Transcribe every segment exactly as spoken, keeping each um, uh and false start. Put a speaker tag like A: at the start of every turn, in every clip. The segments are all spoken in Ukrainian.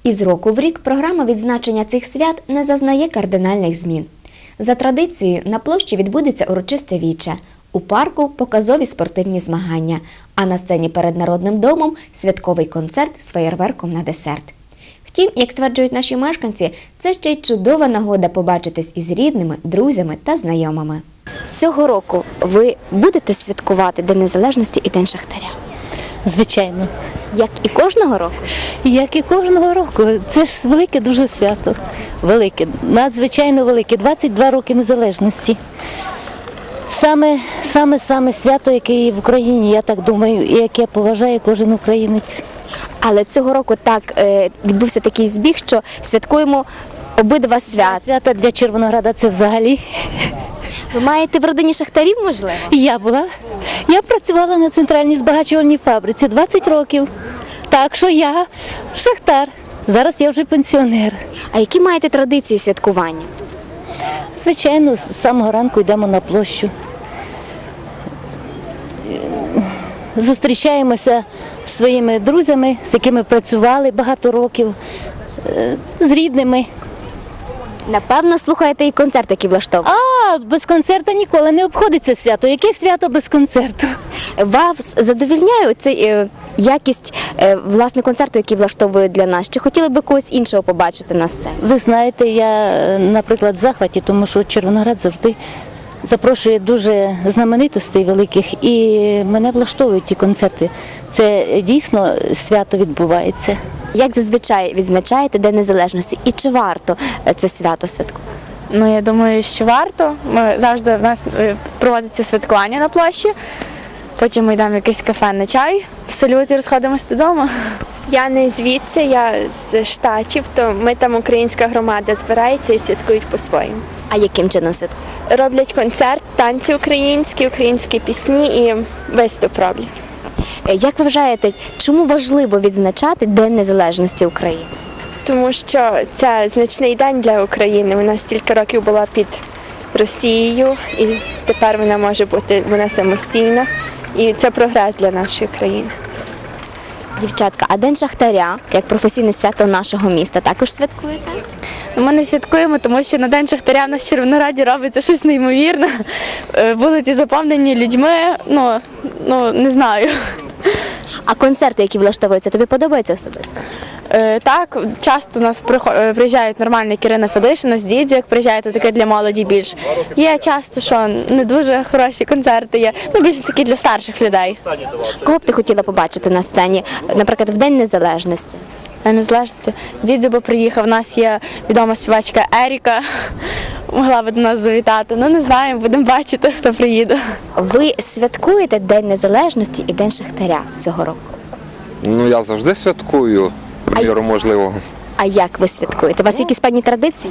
A: Із року в рік програма відзначення цих свят не зазнає кардинальних змін. За традицією, на площі відбудеться урочисте віче, у парку – показові спортивні змагання, а на сцені перед Народним домом – святковий концерт з феєрверком на десерт. Втім, як стверджують наші мешканці, це ще й чудова нагода побачитись із рідними, друзями та знайомими. Цього року ви будете святкувати День Незалежності і День Шахтаря?
B: Звичайно.
A: Як і кожного року?
B: Як і кожного року. Це ж велике дуже свято. Велике, надзвичайно велике. двадцять два роки незалежності. Саме, саме, саме свято, яке є в Україні, я так думаю, і яке поважає кожен українець.
A: Але цього року так е, відбувся такий збіг, що святкуємо обидва свята.
B: Свято для Червонограда це взагалі.
A: Ви маєте в родині шахтарів, можливо?
B: Я була. Я працювала на центральній збагачувальній фабриці двадцять років. Так що я шахтар. Зараз я вже пенсіонер.
A: А які маєте традиції святкування?
B: Звичайно, з самого ранку йдемо на площу. Зустрічаємося з своїми друзями, з якими працювали багато років, з рідними.
A: Напевно, слухаєте і концерт, який влаштовує.
B: А, без концерту ніколи не обходиться свято. Яке свято без концерту?
A: Вас задовільняє цей е, якість е, власне концерту, який влаштовують для нас? Чи хотіли би когось іншого побачити на сцені?
B: Ви знаєте, я, наприклад, в захваті, тому що Червоноград завжди запрошує дуже знаменитостей великих, і мене влаштовують ті концерти. Це дійсно свято відбувається.
A: Як зазвичай відзначаєте День Незалежності і чи варто це свято святкувати?
C: Ну, я думаю, що варто. Ми завжди в нас е, проводиться святкування на площі. Потім ми йдемо в якесь кафе на чай, салют і розходимося додому.
D: Я не звідси, я з Штатів, то ми там українська громада збирається і святкують по-своєму.
A: А яким чином святкувати?
D: Роблять концерт, танці українські, українські пісні і виступ роблять.
A: Як ви вважаєте, чому важливо відзначати День Незалежності України?
D: Тому що це значний день для України. Вона стільки років була під Росією і тепер вона може бути вона самостійна. І це прогрес для нашої країни.
A: Дівчатка, а День Шахтаря, як професійне свято нашого міста, також святкуєте?
C: Ми не святкуємо, тому що на День Шахтаря в нас в Червонограді робиться щось неймовірне. Е, Вулиці заповнені людьми, ну, ну не знаю.
A: А концерти, які влаштовуються, тобі подобаються особисто?
C: Е, Так, часто у нас прихо- е, приїжджають нормальні Ірина Федишина з Дідзю, як приїжджають, то таке для молоді більш. Є часто, що не дуже хороші концерти є, ну більше такі для старших людей.
A: Кого б ти хотіла побачити на сцені, наприклад, в День Незалежності?
C: Я не залежиться. Дідзю би приїхав, у нас є відома співачка Еріка, могла би до нас завітати. Ну не знаю, будемо бачити, хто приїде.
A: Ви святкуєте День Незалежності і День Шахтаря цього року?
E: Ну, я завжди святкую, в міру можливого.
A: А як ви святкуєте? У вас якісь певні традиції?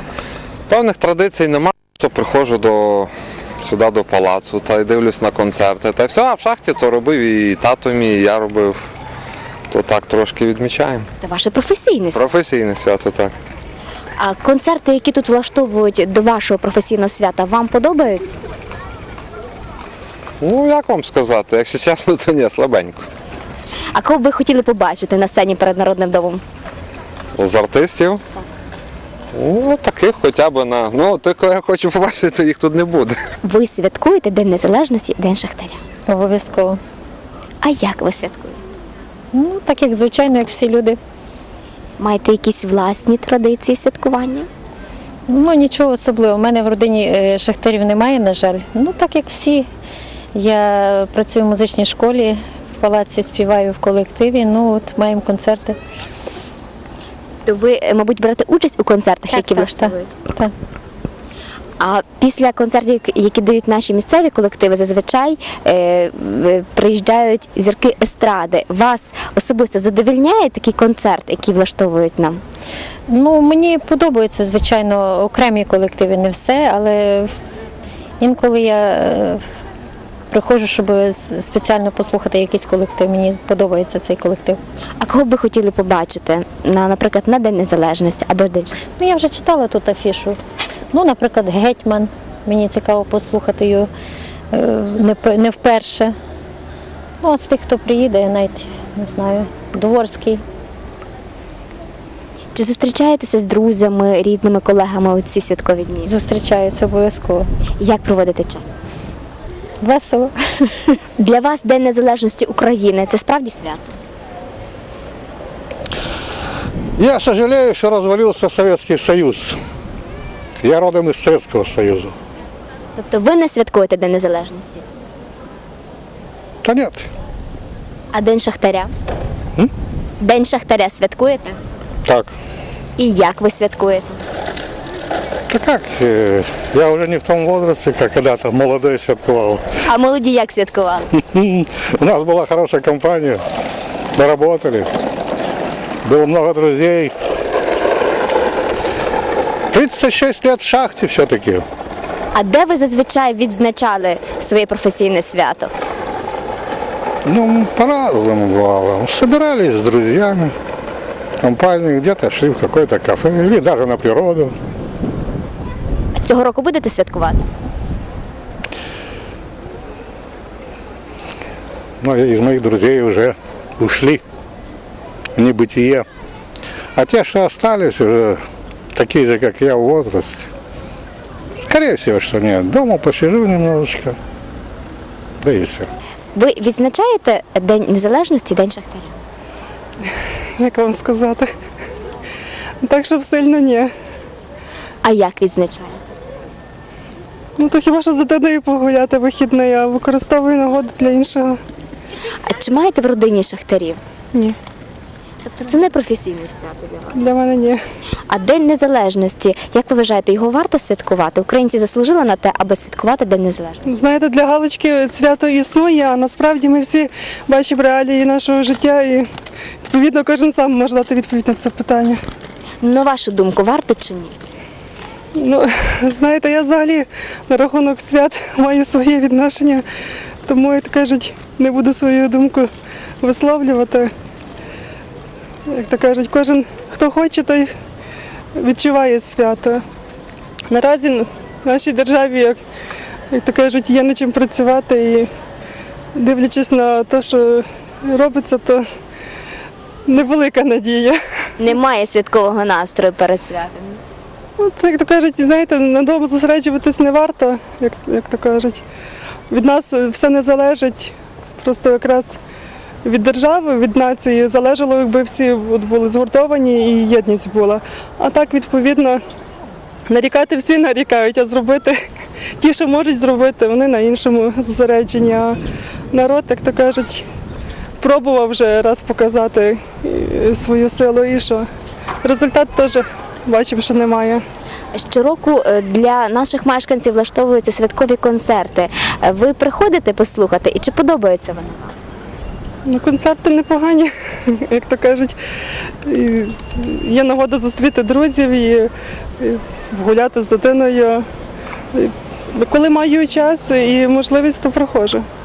E: Певних традицій немає, то приходжу до, сюди до палацу та й дивлюсь на концерти. Та й все, а в шахті то робив і тато мій, і я робив. То так трошки відмічаємо.
A: Це ваше професійне свято.
E: Професійне свято, так.
A: А концерти, які тут влаштовують до вашого професійного свята, вам подобаються?
E: Ну, як вам сказати, якщо чесно, то ні, слабенько.
A: А кого б ви хотіли побачити на сцені перед Народним домом?
E: З артистів? Ну, таких хоча б на... Ну, тільки я хочу побачити, то їх тут не буде.
A: Ви святкуєте День Незалежності і День Шахтаря.
F: Обов'язково.
A: А як ви святкуєте?
F: Ну, так як звичайно, як всі люди.
A: Маєте якісь власні традиції святкування?
F: Ну, нічого особливого. У мене в родині е, шахтарів немає, на жаль. Ну, так як всі. Я працюю в музичній школі, в палаці співаю в колективі, ну, от маємо концерти.
A: То ви, е, мабуть, берете участь у концертах, які влаштовують?
F: Так, так.
A: А після концертів, які дають наші місцеві колективи, зазвичай е, е, приїжджають зірки естради. Вас особисто задовольняє такий концерт, який влаштовують нам?
F: Ну, мені подобаються, звичайно, окремі колективи, не все, але інколи я е, приходжу, щоб спеціально послухати якийсь колектив. Мені подобається цей колектив.
A: А кого б ви хотіли побачити, на, наприклад, на День Незалежності або День Шахтаря?
F: Ну, я вже читала тут афішу. Ну, наприклад, Гетьман. Мені цікаво послухати його е, не, п- не вперше. Ну, а з тих, хто приїде, я навіть не знаю, Дворський.
A: Чи зустрічаєтеся з друзями, рідними, колегами у ці святкові дні?
F: Зустрічаюся обов'язково.
A: Як проводите час?
F: Весело.
A: Для вас День Незалежності України – це справді свято?
G: Я сожалею, что развалился Советский Союз. Я родом из Советского Союза.
A: Тобто ви не святкуєте День Незалежності?
G: Да нет,
A: А День Шахтаря? День Шахтаря святкуєте?
G: так.
A: І як ви святкуєте?
G: Да как, э, я уже не в том возрасте, как когда-то молодой святковал.
A: А молоді як святкували?
G: У нас была хорошая компания, мы работали, было много друзей. тридцать шесть лет в шахте все-таки.
A: А де ви зазвичай відзначали своє професійне свято?
G: Ну, по-разному бывало. Собирались с друзьями, компанией, где-то шли в какое-то кафе или даже на природу.
A: Цього року будете святкувати?
G: Но из моих друзей уже ушли в небытие. А те, что остались, уже такие же, как я, в возрасте. Скорее всего, что нет. Дома посижу немножечко, да и все.
A: Ви відзначаєте День Незалежності, День Шахтаря?
H: Як вам сказати? Так, щоб сильно ні.
A: А як відзначаєте?
H: Ну то хіба що з дитиною погуляти вихідний, а використовую нагоду для іншого.
A: А чи маєте в родині шахтарів?
H: Ні,
A: Тобто це не професійне свято для вас?
H: для мене ні.
A: А День Незалежності, як ви вважаєте, його варто святкувати? Українці заслужили на те, аби святкувати День Незалежності?
H: Знаєте, для галочки свято існує, а насправді ми всі бачимо реалії нашого життя і відповідно кожен сам може дати відповідь на це питання.
A: На вашу думку, варто чи ні?
H: Ну, знаєте, я взагалі на рахунок свят маю своє відношення, тому, як кажуть, не буду свою думку висловлювати. Як то кажуть, кожен, хто хоче, той відчуває свято. Наразі в нашій державі, як, як то кажуть, є над чим працювати і дивлячись на те, що робиться, то невелика надія.
A: Немає святкового настрою перед святом.
H: От, як то кажуть, знаєте, надовго зосереджуватись не варто, як, як то кажуть. Від нас все не залежить, просто якраз від держави, від нації залежало, якби всі от були згуртовані і єдність була. А так, відповідно, нарікати всі нарікають, а зробити ті, що можуть зробити, вони на іншому зосереджені. А народ, як то кажуть, пробував вже раз показати е, свою силу і що. Результат теж бачимо, що немає.
A: Щороку е, для наших мешканців влаштовуються святкові концерти. Е, Ви приходите послухати і чи подобається вони вам?
H: Ну, концерти непогані, як то кажуть. І є нагода зустріти друзів і, і гуляти з дитиною. І коли маю час і можливість, то проходжу.